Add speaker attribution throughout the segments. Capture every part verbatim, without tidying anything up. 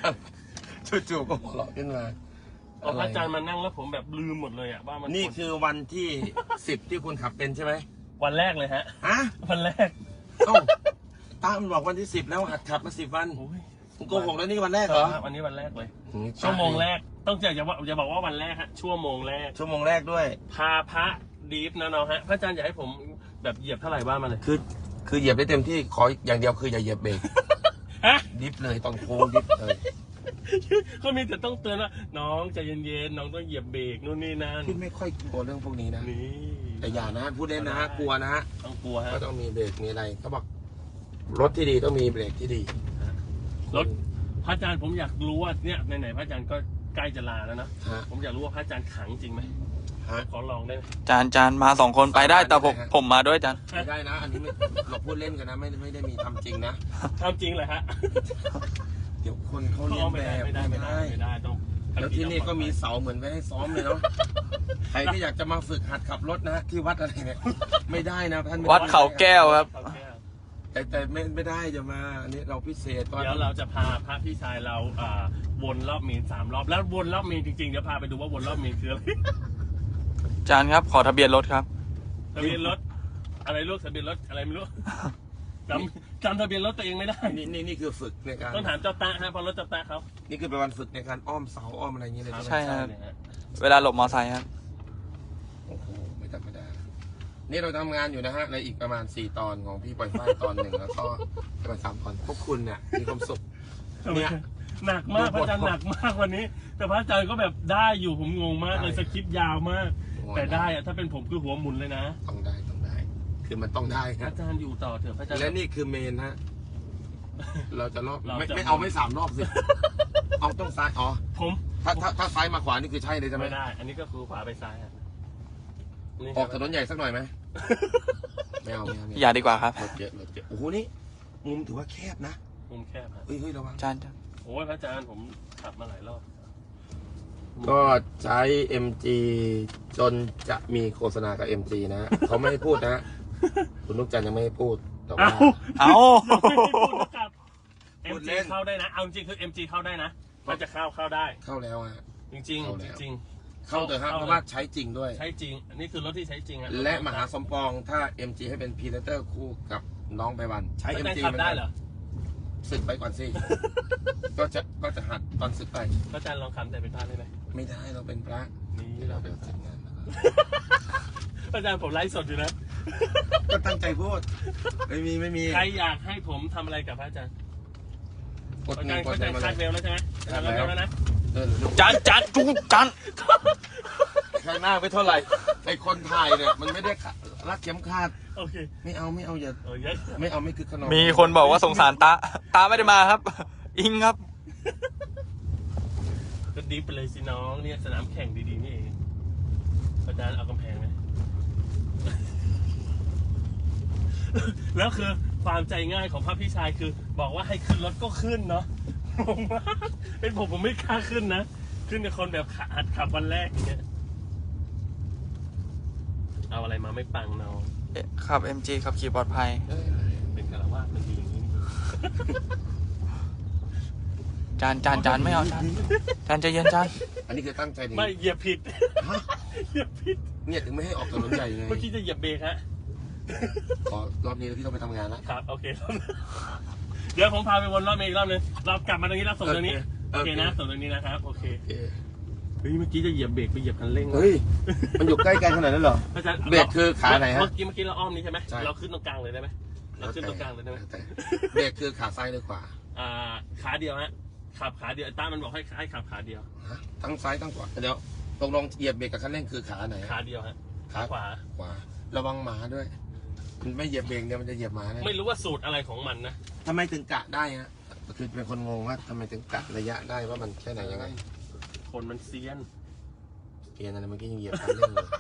Speaker 1: จู่ๆก็หัวเราะขึ้นมา
Speaker 2: พอพระอาจารย์มานั่งแล้วผมแบบลืมหมดเลยอะว่ามัน
Speaker 1: นี่คือวันที่สิบที่คุณขับเป็นใช่ไหม
Speaker 2: วันแรกเลยฮะ
Speaker 1: ฮะ
Speaker 2: วันแรก
Speaker 1: เอ้าตามันบอกวันที่สิบแล้วหัดขับมาสิบวันคุณโกหกแล้วนี่วันแรกเหรอ
Speaker 2: วันนี้วันแรกเลยชั่วโมงแรกต้องจะจะว่าจะบอกว่าวันแรกฮะชั่วโมงแรก
Speaker 1: ชั่วโมงแรกด้วย
Speaker 2: พาพระดีฟนะน้องฮะพระอาจารย์อยากให้ผมแบบเหยียบเท่าไหร่บ้างมาเลย
Speaker 1: คือคือเหยียบได้เต็มที่ขออย่างเดียวคืออย่าเหยียบเบรกดิฟเลยตอนโค้งดิฟเลย
Speaker 2: เขามีแต่ต้องเตือนว่าน้องใจเย็นๆน้องต้องเหยียบเบรกนู่นนี่นั่น
Speaker 1: พี่ไม่ค่อยกลัวเรื่องพวกนี้นะ
Speaker 2: นี่
Speaker 1: แต่อย่านะพูดเล่นนะกลัวนะฮะ
Speaker 2: ต้องกลัวฮะ
Speaker 1: ก็ต้องมีเบรกมีอะไรเขาบอกรถที่ดีต้องมีเบรกที่ดี
Speaker 2: รถพระอาจารย์ผมอยากรู้ว่าเนี่ยไหนๆพระอาจารย์ก็ใกล้จะลาแล้วนะผมอยากรู้ว่าพระอาจารย์ขังจริงไหมขอลองได้ไหม
Speaker 3: จานจานมาสองคนไปได้แต่ผมผมมาด้วยจาน
Speaker 1: ไม่ได้นะอันนี้เราพูดเล่นกันนะไม่ไม่ได้มีทำจริงนะ
Speaker 2: ทำจริงเลยฮะ
Speaker 1: เดี๋ยวคนเขาเรียนแบบ
Speaker 2: ไม่ได้ไม่ได้ไม่ได้ต้อง
Speaker 1: แล้วที่นี่ก็มีเสาเหมือนไว้ให้ซ้อมเลยเนาะใครที่อยากจะมาฝึกหัดขับรถนะที่วัดอะไรเนี่ยไม่ได้นะท่าน
Speaker 3: วัดเขาแก้วครับ
Speaker 1: แต่แต่ไม่ไม่ได้จะมาอันนี้เราพิเศษ
Speaker 2: เดี๋ยวเราจะพาพระพี่ชายเราอ่าวนรอบเมนสามรอบแล้ววนรอบเมนจริงๆเดี๋ยวพาไปดูว่าวนรอบเมนคืออะไร
Speaker 3: จานครับขอทะเบียนรถครับ
Speaker 2: ทะเบียนรถอะไรลูกทะเบียนรถอะไรไม่รู้จำจำทะเบียนรถตัวเองไม่ได้
Speaker 1: นี่นี่นี่คือฝึกในการ
Speaker 2: ต้องถามเจ้าตาฮะพอรถเจ้าตาเขา
Speaker 1: นี่คือเป็นวันฝึกในการอ้อมเสาอ้อมอะไรอย่างเงี้ยเลย
Speaker 3: ใช่ครับเวลาหลบมอไซค์ครับ
Speaker 1: โอ้โหไม่ธรรมดานี่เราทำงานอยู่นะฮะในอีกประมาณสี่ตอนของพี่ปล่อยไฟตอนหนึ่งแล้วก็ประมาณสามตอนพวกคุณเนี่ยมีความสุขเนี่ย
Speaker 2: หนักมากพระอาจารย์หนักมากวันนี้แต่พระอาจารย์ก็แบบได้อยู่ผมงงมากเลยสคริปต์ยาวมากแต่ได้อะถ้าเป็นผมคือหัวหมุนเลยนะ
Speaker 1: ต้องได้ต้องได้คือมันต้องได้ครับ
Speaker 2: อาจารย์อยู่ต่อเถอะพระอาจารย์
Speaker 1: และนี่คือเมนฮะเราจะรอบไม่ไม่เอาไม่สามรอบสิเอาต้องซ้ายอ๋อ
Speaker 2: ผม
Speaker 1: ถ้าถ้าถ้าซ้ายมาขวานี่คือใช่เลยใช่ไหม
Speaker 2: ไม่ได้อันนี้ก็คือขวาไปซ้าย
Speaker 1: ออกถนนใหญ่สักหน่อยไหมไม่เอาไม่เอา
Speaker 3: อย่าดีกว่าครับ
Speaker 1: รถเยอะรถเยอะโอ้โหนี่มุมถือว่าแคบนะ
Speaker 2: มุมแคบ
Speaker 1: เฮ้ยเฮ้ยระวัง
Speaker 3: จานจาน
Speaker 2: โอ้ยพระอาจารย์ผมขับมาหลายรอบ
Speaker 1: ก็ใช้ เอ็ม จี จนจะมีโฆษณากับ เอ็ม จี นะเขาไม่ให้พูดนะคุณลูกจันยังไม่ให้พูดแต่ว่า
Speaker 3: เอา
Speaker 2: เอ็มจีเข้าได้นะเอาจริงคือ เอ็ม จี เข้าได้นะมันจะเข้าเข้าได้
Speaker 1: เข้าแล้วฮะ
Speaker 2: จริงจริงจริง
Speaker 1: เข้าเถอะครับเพราะว่าใช้จริงด้วย
Speaker 2: ใช้จริงอันนี้คือรถที่ใช้จริงอะ
Speaker 1: และมหาสมปองถ้า เอ็ม จี ให้เป็นพรีเซนเตอร์คู่กับน้องไปวันใช้ เอ็ม จี
Speaker 2: ได้เหรอ
Speaker 1: ศึกไปก่อนสิก็จะก็จะหัดตอนศึกไป
Speaker 2: พระอาจารย์ลองคำแต่เป็นพระได้ไหม
Speaker 1: ไม่ได้เราเป็นพระ
Speaker 2: นี่เราเป็นพระพระอาจารย์ผมไลฟ์สดอยู่นะ
Speaker 1: ก็ตั้งใจพูดไม่มีไม่มี
Speaker 2: ใครอยากให้ผมทำอะไรกับพระอาจารย์พระอาจารย์พระอาจารย์คาดเวลแล้วใช่ไหมคาดเวลแล้วนะ
Speaker 3: จานจานจุ๊จาน
Speaker 1: ข้างหน้าไม่เท่าไหร่ไอคนถ่ายเนี่ยมันไม่ได้รัดเข็มขัด
Speaker 2: โอเค
Speaker 1: ไม่เอาไม่เอาอย่าไม่เอาไม่คือขนม
Speaker 3: มีคนบอกว่าสงสารตาตาไม่ได้มาครับอิงครับ
Speaker 2: ก็ดีไปเลยสิน้องเนี่ยสนามแข่งดีๆนี่เองอาจารย์เอากำแพงไหมแล้วคือความใจง่ายของพระพี่ชายคือบอกว่าให้ขึ้นรถก็ขึ้นเนาะงงมากเป็นผมผมไม่กล้าขึ้นนะขึ้นกับคนแบบหัดขับวันแรกอย่างเงี้ยเอาอะไรมาไม่ปังเนาะ
Speaker 3: ขับ เอ็ม จี ขับขี่ปลอดภัย
Speaker 2: เป็นคารวะมันดีอย่างนี้
Speaker 3: จานจานจานไม่เอาจานจานใจเย็นจาน
Speaker 1: อันนี้คือตั้งใจดี
Speaker 2: ไม่เหยียบผิดเหยียบผิด
Speaker 1: เนี่ยถึงไม่ให้ออกถนนใหญ่ไง
Speaker 2: เมื่อกี้จะเหยียบเบรกฮะ
Speaker 1: ขอรอบนี้พี่ต้องไปทำงานแล้ว
Speaker 2: ครับโอเคเดี๋ยวผมพาไปวนรอบเมย์อีกรอบนึงเรากลับมาตรงนี้แล้วส่งตรงนี้โอเคนะส่งตรงนี้นะครับโอเคเฮ้ยเมื่อกี้จะเหยียบเบรกไปเหยียบคันเร่ง
Speaker 1: เฮ้ยมันอยู่ใกล้กันขนาดนั้นเหรอเบรกคือขาไหนฮะ
Speaker 2: เมื่อกี้เมื่อกี้เราอ้อมนี้ใช่ไหมเราขึ้นตรงกลางเลยได้ไหมเราขึ้นตรงกลางเลยได้ไหม
Speaker 1: เบรกคือขาซ้ายหรือขวา
Speaker 2: อ่าขาเดียวฮะขับขาเดียวต้ามันบอกให้ให้ขับขาเดียว
Speaker 1: ทั้งซ้ายทั้งขวาเดี๋ยวตกลงเหยียบเบรกกับคันเร่งคือขาไหน
Speaker 2: ขาเดียวฮะขาขวา
Speaker 1: ขวาระวังหมาด้วยมันไม่เหยียบเบรกเนี่ยมันจะเหยียบหมาได้
Speaker 2: ไม่รู้ว่าสูตรอะไรของมันนะ
Speaker 1: ทำไมถึงกะได้ฮะคือเป็นคนงงว่าทำไมถึงกะระยะได้ว่ามันแค่ไหนยังไง
Speaker 2: คนมันเซียน
Speaker 1: เซียนอะไรเมื่อกี้ยังเหยียบคันเร่งเลย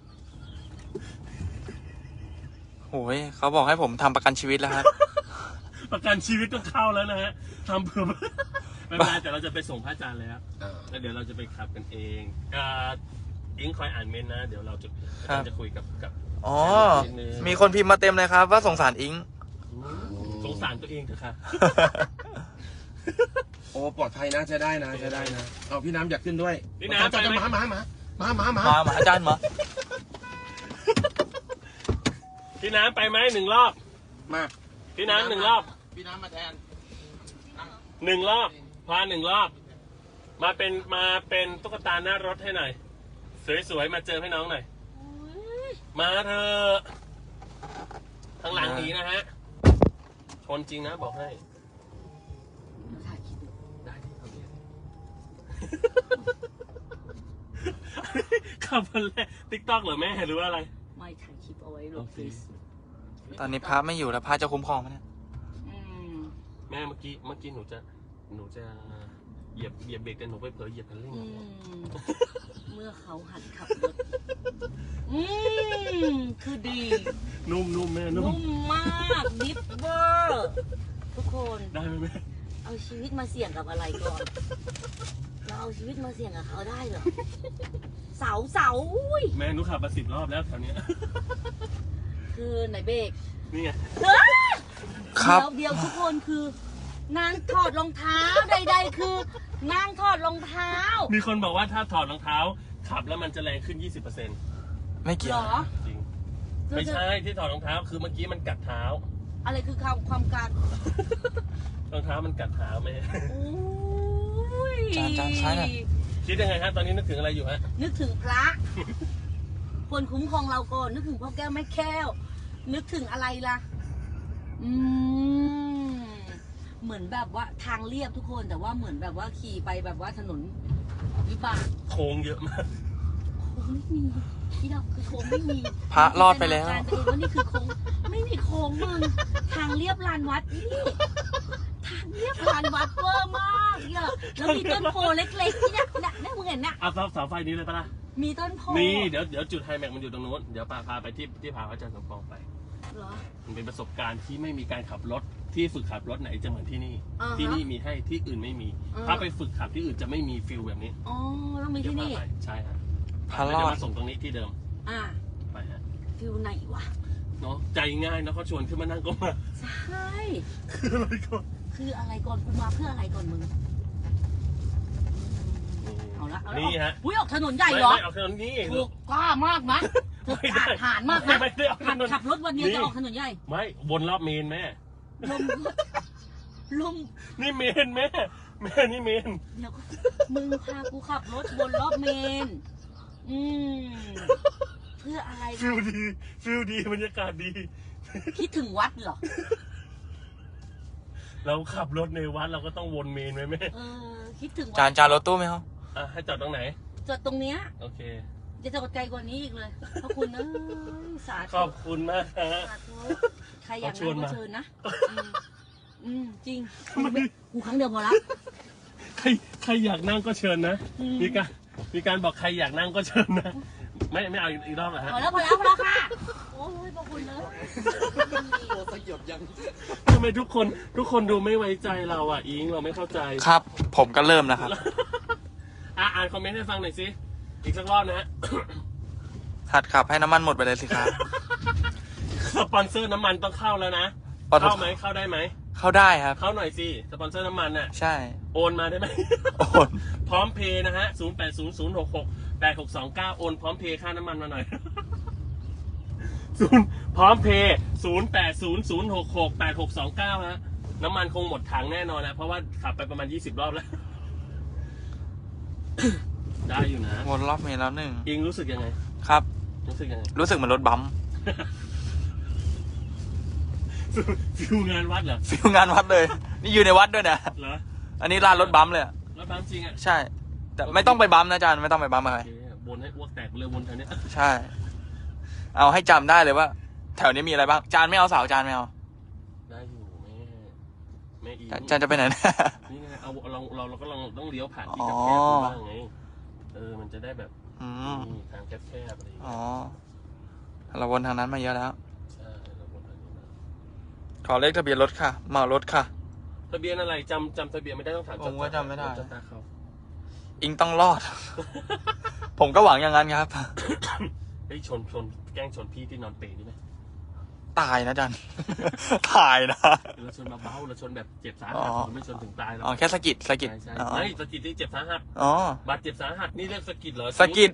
Speaker 3: โอ้ยเขาบอกให้ผมทำประกันชีวิตแล้วครับ
Speaker 2: ประกันชีวิตต้องเข้าแล้วนะฮะทำเพื่อไม่เป็นไรแต่เราจะไปส่งพระอาจารย์แล้วแล้วเดี๋ยวเราจะไปขับกันเองอิงคอยอ่านเมนนะเดี๋ยวเราจะจะคุยกับกับ
Speaker 3: อ๋อมีคนพิมพ์มาเต็มเลยครับว่าสงสารอิง
Speaker 2: สงสารตัวเองเถอะค่ะ
Speaker 1: โอ้ปลอดภัยนะใช้ได้นะใช้ได้นะเอาพี่น้ำอยากขึ้นด้วย
Speaker 2: พี่น้ำ
Speaker 1: จะ
Speaker 2: ไปไหม
Speaker 1: มามามามามามา
Speaker 3: มามาอาจารย์มา
Speaker 2: พี่น้ำไปไหมหนึ่งรอบ
Speaker 1: มา
Speaker 2: พี่น้ำหนึ่งรอบ
Speaker 1: พี่น้ำมาแทน
Speaker 2: หนึ่งรอบพาหนึ่งรอบ มาเป็นมาเป็นตุ๊กตาหน้ารถให้หน่อย สวยๆมาเจอให้น้องหน่อยมาเถอะข้างหลังหนีนะฮะชนจริงนะบอกให้ได้ที่เขาเรียนขับวันแรกติ๊กต็อกเหรอแม่หรือว่าอะไร
Speaker 4: ไม่ถ่ายคลิปเอาไว้ลงเฟซ
Speaker 3: ตอนนี้พระไม่อยู่แล้วพระจะคุ้มครองไหมเนี่ย
Speaker 4: อืม
Speaker 2: แม่เมื่อกี้เมื่อกี้หนูจะหนูจะเหยียบเหยียบเบรกแต่หนูไปเผลอเหยียบคันเร่ง
Speaker 4: อื
Speaker 2: อะ
Speaker 4: มเมื่อเขาหัดขับรถอืมคือดี
Speaker 2: นุ่มนุ่มแม่นุ่ม
Speaker 4: นุ่มมากดิฟเวอร์ทุกคน
Speaker 2: ได้ไหมแม่
Speaker 4: เอาชีวิตมาเสี่ยงกับอะไรก่อน เราเอาชีวิตมาเสี่ยงกับเขาได้เหรอเสาเสาอุ้ย
Speaker 2: แม่หนูขับมาสิบรอบแล้วแถวเนี้ย
Speaker 4: คือไหนเบรก
Speaker 2: นี่ไง
Speaker 4: เฮ้ย
Speaker 3: ครับ
Speaker 4: เดี๋ยวเดี๋ยวทุกคนคือนางถอดรองเท้าใด ๆ คือนางถอดรองเท้า
Speaker 2: มีคนบอกว่าถ้าถอดรองเท้า ขับแล้วมันจะแรงขึ้น ยี่สิบเปอร์เซ็นต์
Speaker 3: ไม่เกี่
Speaker 4: เห
Speaker 3: ย
Speaker 4: ร
Speaker 3: ว
Speaker 4: อ
Speaker 2: จริง ไม่ใช่ที่ถอดรองเท้าคือเมื่อกี้มันกัดเท้า
Speaker 4: อะไรคือความความการ
Speaker 2: รองเท้ามันกัดเท้าแม่
Speaker 4: โอ้ย
Speaker 3: จานจานซ้ายหน่อย
Speaker 2: คิดยังไงฮะตอนนี้นึกถึงอะไรอยู่ฮะ
Speaker 4: นึกถึงพระ คนคุ้มครองเราก่อน นึกถึงพ่อแก้วแม่แก้ว นึกถึงอะไรล่ะ อืม เหมือนแบบว่าทางเรียบทุกคน แต่ว่าเหมือนแบบว่าขี่ไปแบบว่าถนนวิบาก
Speaker 2: โค้งเยอะมาก
Speaker 4: โค้งไม่มีที่เราคือโค้งไม่มี
Speaker 3: พระรอดไปแล้ว
Speaker 4: จินตนาการตัวเองว่านี่คือโค้งไม่มีโค้งมึงทางเรียบลานวัดนี่ทางเรียบลานวัดเวอร์มากเนี่ยแล้วมีต้นโพเล็กๆที่เนี่ยเนี่ยเนี่ยมึงเห็นน่ะ
Speaker 2: เอาเสาไฟนี้เลยปะล่ะ
Speaker 4: มีต้นโพ
Speaker 2: นี่เดี๋ยวเดี๋ยวจุดไฮแม็กมันอยู่ตรงนู้น เดี๋ยวพาพาไปที่ที่พาอาจารย์สมปองไป
Speaker 4: เหรอ
Speaker 2: มันเป็นประสบการณ์ที่ไม่มีการขับรถที่ฝึกขับรถไหนจะเหมือนที่นี่
Speaker 4: อ่าฮะ
Speaker 2: ที่นี่มีให้ที่อื่นไม่มี
Speaker 4: อ่า
Speaker 2: ถ้าไปฝึกขับที่อื่นจะไม่มีฟิลแบบนี้
Speaker 4: อ๋อต้องมี
Speaker 2: เดี๋ยว
Speaker 4: ที่
Speaker 2: พา
Speaker 4: นี่
Speaker 2: ไปใช่ฮะ
Speaker 3: พระ
Speaker 2: แล้ว
Speaker 3: รอ
Speaker 2: จะ
Speaker 3: ด
Speaker 2: มาส่งตรงนี้ที่เดิม
Speaker 4: อ่า
Speaker 2: ไปฮะ
Speaker 4: ฟิลไหนวะ
Speaker 2: เนาะใจง่ายนะเขาชวนขึ้นมานั่งก็มา
Speaker 4: ใช่
Speaker 2: คืออะไรก่อน
Speaker 4: คืออะไรก่อนกูมาเพื่ออะไรก่อนมึง เอาละเอาละ
Speaker 2: นี่ฮะ
Speaker 4: อุ้ยออกถนนใหญ่
Speaker 2: ไม่
Speaker 4: เหรอ
Speaker 2: ไม่เอาถนนนี้
Speaker 4: ถูกกล้ามากนะถูก
Speaker 2: ไม่ได้
Speaker 4: อาหารมากนะ
Speaker 2: ไม่ได้เอาถ
Speaker 4: ขับ
Speaker 2: นน
Speaker 4: ขับรถวันเดียว
Speaker 2: นี่
Speaker 4: จะออกถนนใหญ่
Speaker 2: ไม่วนรอบเมนแม่
Speaker 4: ลมลม
Speaker 2: นี่เมนแม่แม่นี่เมน
Speaker 4: เดี๋ยวก่อนมึงพากูขับรถบนรอบเมน อืม เพื่ออะไร
Speaker 2: ฟิลดีฟิลดีบรรยากาศดี
Speaker 4: คิดถึงวัดเหรอ
Speaker 2: เราขับรถในวัดเราก็ต้องวนเมนไหมแม่
Speaker 4: เออ คิดถึง
Speaker 3: จา
Speaker 4: วัน ด
Speaker 3: จานรถตู้ไหมครับ
Speaker 2: อ่ะให้จอดตรงไหน
Speaker 4: จอดตรงเนี้ย
Speaker 2: โอเค
Speaker 4: จะจอดไกลกว่านี้อีกเลยเพราะคุณเอ้ยสา
Speaker 2: ข
Speaker 4: ธุ
Speaker 2: อบคุณมากฮะ
Speaker 4: สาธุใครอยาก
Speaker 2: เขาชวน
Speaker 4: นั่งก็
Speaker 2: มา
Speaker 4: เชิญนะ อืมอืม จริงกูครั้งเดียวพอละ
Speaker 2: ใครใครอยากนั่งก็เชิญนะ
Speaker 4: อืม
Speaker 2: มีการมีการบอกใครอยากนั่งก็เชิญนะ ไม่ไม่เอาอีกรอบเหรอฮะ
Speaker 4: พอแล้วพอแล้วพอแล้วค่ะ โอ้ยพระคุณเลย
Speaker 2: ทำไมทุกคนทุกคนดูไม่ไว้ใจเราอ่ะอิงเราไม่เข้าใจ
Speaker 3: ครับ ผมก็เริ่มนะครับ
Speaker 2: อ่ะอ่านคอมเมนต์ให้ฟังหน่อยสิ อีกสักรอบนะฮะ
Speaker 3: หัดขับให้น้ำมันหมดไปเลยสิครับ
Speaker 2: สปอนเซอร์น้ำมันต้องเข้าแล้วนะ
Speaker 3: ปตท
Speaker 2: เข้าไหมเข้าได้ไหม
Speaker 3: เข้าได้ครับ
Speaker 2: เข้าหน่อยสิ สปอนเซอร์น้ำมันน่ะ
Speaker 3: ใช่
Speaker 2: โอนมาได้ไหม
Speaker 3: โอน
Speaker 2: พร้อมเพย์นะฮะ ศูนย์ แปด ศูนย์ ศูนย์ หก หก แปด หก สอง เก้า โอนพร้อมเพย์ค่าน้ำมันมาหน่อย ศูนย์พร้อมเพย์ ศูนย์ แปด ศูนย์ ศูนย์ หก หก แปด หก สอง เก้า ฮะ น้ำมันคงหมดถังแน่นอนนะ เพราะว่าขับไปประมาณยี่สิบรอบแล้ว ได้อยู่นะ
Speaker 3: วนรอบเมล์แล้วหนึ่ง
Speaker 2: อิงรู้สึกยังไง
Speaker 3: ครับ
Speaker 2: รู้สึกยังไง
Speaker 3: รู้สึกเหมือนรถบัมป์
Speaker 2: ฟิวงานวัดเหรอ
Speaker 3: ฟิลงานวัดเลย นี่อยู่ในวัดด้วยนะ
Speaker 2: เหรอ
Speaker 3: อันนี้ลานรถบัมป์เลยอะ
Speaker 2: รถบัมจริงอ่ะ
Speaker 3: ใช่ แต่ไม่ต้องไปบัมป์นะอาจารย์ไม่ต้องไปบัมป์อะไร
Speaker 2: โอเควนให้อ้วกแตกเลยวนแถวเนี้ย
Speaker 3: ใช่ เอาให้จำได้เลยว่า แถวนี้มีอะไรบ้าง จานไม่เอาเสาจานไม่เอา
Speaker 2: ได้อยู่แม่แม่อี
Speaker 3: จานจานจะไปไหนนะ
Speaker 2: นี่ไงเอาเราเราเราก็ลองต้องเลี้ยวผ่านที่
Speaker 3: อ๋อ
Speaker 2: แคบๆบ้างไงเออมันจะได้แบบ
Speaker 3: อืม
Speaker 2: นี่ทางแคบๆอะไรอย่าง
Speaker 3: อ๋
Speaker 2: เงี้
Speaker 3: อย เราวนทางนั้นมาเยอะแล้ว
Speaker 2: ใช่เราวนทางนี้นะ
Speaker 3: ขอเลขทะเบียนรถค่ะเหมารถค่ะ
Speaker 2: ทะเบียนอะไรจำจำทะเบียนไม่ได้ต้องถาม
Speaker 3: ผมก็จำไม่ได้
Speaker 2: จำตาเขา
Speaker 3: อิงต้องรอด ผมก็หวังอย่างนั้นครับ
Speaker 2: เฮ้ยชนชนแกล้งชนพี่ที่นอนเปรย์นี่ไหม
Speaker 3: ตายนะอาจารย์ ตายนะ
Speaker 2: เราชนเบาๆเราชนแบบเจ็บสา
Speaker 3: อ๋
Speaker 2: หั
Speaker 3: อ
Speaker 2: ดเราไม่ชนถึงตายหรอก
Speaker 3: อ๋อแค่สะกิดสะกิด
Speaker 2: ใช่ใช่
Speaker 3: อ๋อ
Speaker 2: ไม่สะกิดที่เจ็บสาหัส
Speaker 3: อ๋อบ
Speaker 2: าดเจ็บสาหัสนี่เรียกสะกิดเหรอ
Speaker 3: สะกิด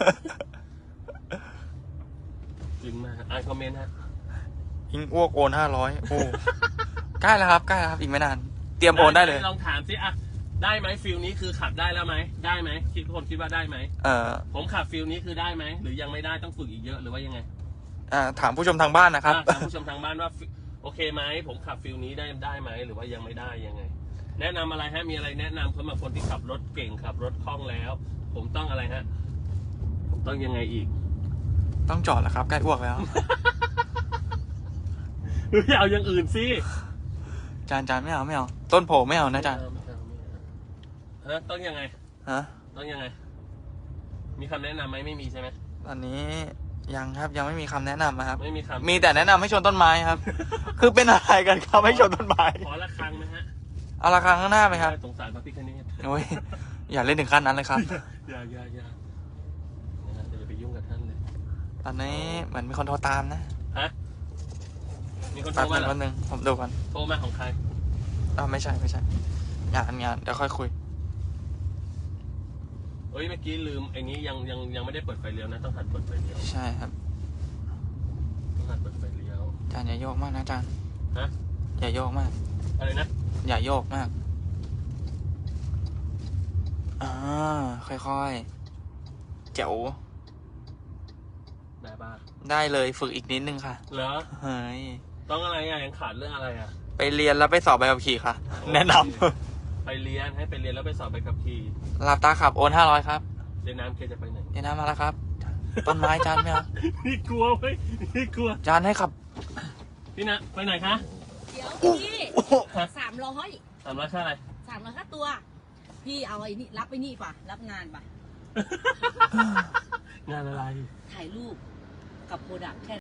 Speaker 2: จริงมากอ่านคอมเมนต์ฮะ
Speaker 3: ยิงอ้วกโอนห้าร้อยโอ้ใกล้แล้วครับใกล้แล้วครับอีกไม่นานเตรียมโอนได้เลย
Speaker 2: ลองถามสิอ่ะได้ไหมฟิลนี้คือขับได้แล้วไหมได้ไหมคิดคนคิดว่าได้ไหม
Speaker 3: เอ่อ
Speaker 2: ผมขับฟิลนี้คือได้ไหมหรือยังไม่ได้ต้องฝึกอีกเยอะหรือว่ายังไง
Speaker 3: อ่าถามผู้ชมทางบ้านนะครับ
Speaker 2: อ่ะถามผู้ชมทางบ้านว่าฟิโอเคไหมผมขับฟิลนี้ได้ได้ไหมหรือว่ายังไม่ได้ยังไง แนะนำอะไรฮะมีอะไรแนะนำสำหรับคนที่ขับรถเก่งขับรถคล่องแล้ว ผมต้องอะไรฮะผมต้องยังไงอีก
Speaker 3: ต้องจอดแล้วครับใกล้อ้วกแล้ว
Speaker 2: ไม่เอาอย่างอื่นสิ
Speaker 3: จานจานไม่เอาไม่เอาต้นโผไม่เอานะจาน
Speaker 2: ไม่เอาไม่เอาฮะต้องยังไง
Speaker 3: ฮะ
Speaker 2: ต้องยังไง มีคำแนะนำไหมไม่มีใช่ไหม
Speaker 3: ตอนนี้ยังครับยังไม่มีคำแนะนำนะครับ
Speaker 2: ไม่มีคำ
Speaker 3: มีแต่แนะนำให้ชนต้นไม้ครับ คือเป็นอะไรกันครับให้ชนต้นไม้
Speaker 2: ขอละครังไหมฮะ
Speaker 3: เอาละครั้งข้างหน้าไหมครับ
Speaker 2: สงสารพระพิฆเนศ
Speaker 3: โอ้ยอย่าเล่นถึงขั้นนั้นเลยครับ
Speaker 2: อย่าอย่าอย่านะฮะอย่าไปยุ่งกับท่านเลย
Speaker 3: ตอนนี้เหมือนมีคนโทรตามนะ
Speaker 2: ฮะมีคนโท
Speaker 3: แป๊
Speaker 2: ร
Speaker 3: บ
Speaker 2: มา
Speaker 3: นึง
Speaker 2: เหรอ
Speaker 3: แป๊บนึงผมดูก่อน
Speaker 2: โทรมาของใคร
Speaker 3: อ้าวไม่ใช่ไม่ใช่งานงานเดี๋ยวค่อยคุย
Speaker 2: เอ้ยเมื่อกี้ลืมไอ้นี้ยังยังยังไม่ได้เปิดไฟเลี้ยวนะต้องหัดเปิดไฟเลี้ยว
Speaker 3: ใช่ครับ
Speaker 2: ต้องหัดเปิดไฟเลี้ยว
Speaker 3: จานอย่าโยกมากนะจาน
Speaker 2: ฮะ
Speaker 3: อย่าโยกมาก
Speaker 2: อะไรนะ
Speaker 3: อย่าโยกมากอ่าค่อยๆเจ๋ว
Speaker 2: แบบบ้า
Speaker 3: ได้เลยฝึกอีกนิดนึงค่ะ
Speaker 2: เหรอ
Speaker 3: เฮ้ย
Speaker 2: ต้องอะไรอ่ะยังขาดเรื่องอะไรอ่ะ
Speaker 3: ไปเรียนแล้วไปสอบใบขับขี่ค่ะ แนะน
Speaker 2: ไปเรียนให้ไปเรียนแล้วไปสอบใบขับขี่
Speaker 3: ำหลับตาขับโอนห้าร้อยครับ
Speaker 2: เรียนน้ำเคจะไปไหน
Speaker 3: เดี๋ยวน้ำมาแล้วครับ ต้นไม้จานไม่เอา
Speaker 2: นี่กลัวเว้ยนี่กลัว
Speaker 3: จานให้ขับ
Speaker 2: พี่นะไปไหนคะ
Speaker 4: เดี๋ยวพี่สามร้อย
Speaker 2: สามร้อยค่าอะไร
Speaker 4: สามร้อยค่าตัว พี่เอาไอ้นี่รับไปนี่ป่ะ รับงานป่ะ
Speaker 2: งานอะไร
Speaker 4: ถ่ายรูปกับโปรดักต์แค่